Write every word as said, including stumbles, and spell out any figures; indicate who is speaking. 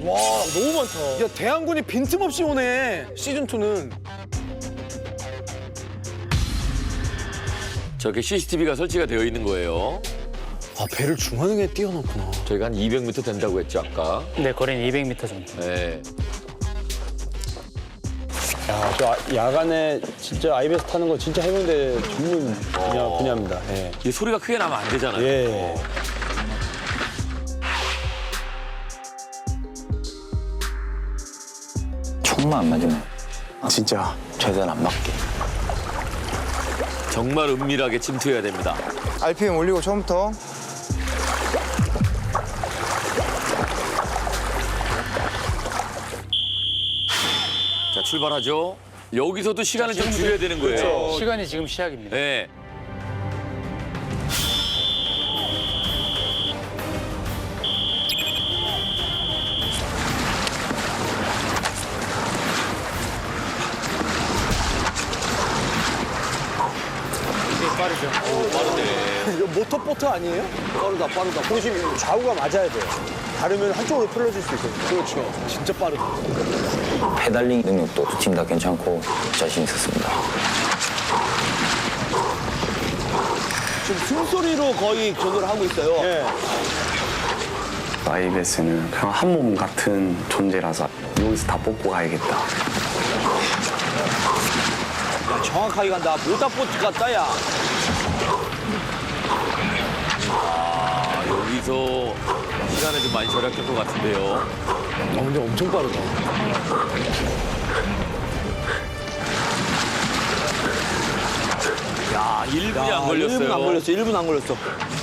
Speaker 1: 와, 너무 많다. 야, 대한군이 빈틈없이 오네, 시즌이는.
Speaker 2: 저렇게 씨씨티비가 설치가 되어 있는 거예요.
Speaker 1: 아, 배를 중앙에 띄워놓구나.
Speaker 2: 저희가 한 이백 미터 된다고 했죠, 아까.
Speaker 3: 네, 거리는 이백 미터 정도.
Speaker 2: 네.
Speaker 4: 야, 저 아- 야간에 진짜 아이베스 타는 거 진짜 해병대 전문 분야, 분야입니다. 예.
Speaker 2: 이 소리가 크게 나면 안 되잖아요.
Speaker 4: 예.
Speaker 5: 총만 안 맞으면
Speaker 4: 진짜.
Speaker 5: 최대한 안 맞게.
Speaker 2: 정말 은밀하게 침투해야 됩니다.
Speaker 6: 알피엠 올리고 처음부터.
Speaker 2: 자, 출발하죠. 여기서도 시간을 좀 줄여야 되는 거예요.
Speaker 3: 시간이 지금 시작입니다.
Speaker 2: 네.
Speaker 3: 빠르죠.
Speaker 1: 이거 모터보트 아니에요? 빠르다, 빠르다.
Speaker 4: 중심 좌우가 맞아야 돼요. 다르면 한쪽으로 풀어질 수 있거든요.
Speaker 1: 그렇죠. 진짜 빠르다.
Speaker 5: 페달링 능력도 두 팀 다 괜찮고 자신 있었습니다.
Speaker 1: 지금 숨소리로 거의 전도를 하고 있어요.
Speaker 4: 예.
Speaker 7: 아이베스는 그냥 한 몸 같은 존재라서 여기서 다 뽑고 가야겠다.
Speaker 1: 야, 정확하게 간다. 모터보트 같다, 야.
Speaker 2: 아, 여기서 시간을 좀 많이 절약할 것 같은데요.
Speaker 1: 아, 근데 엄청 빠르다.
Speaker 2: 야, 일 분이 안
Speaker 1: 일 분 안
Speaker 2: 걸렸어요.
Speaker 1: 걸렸어, 일 분 안 걸렸어.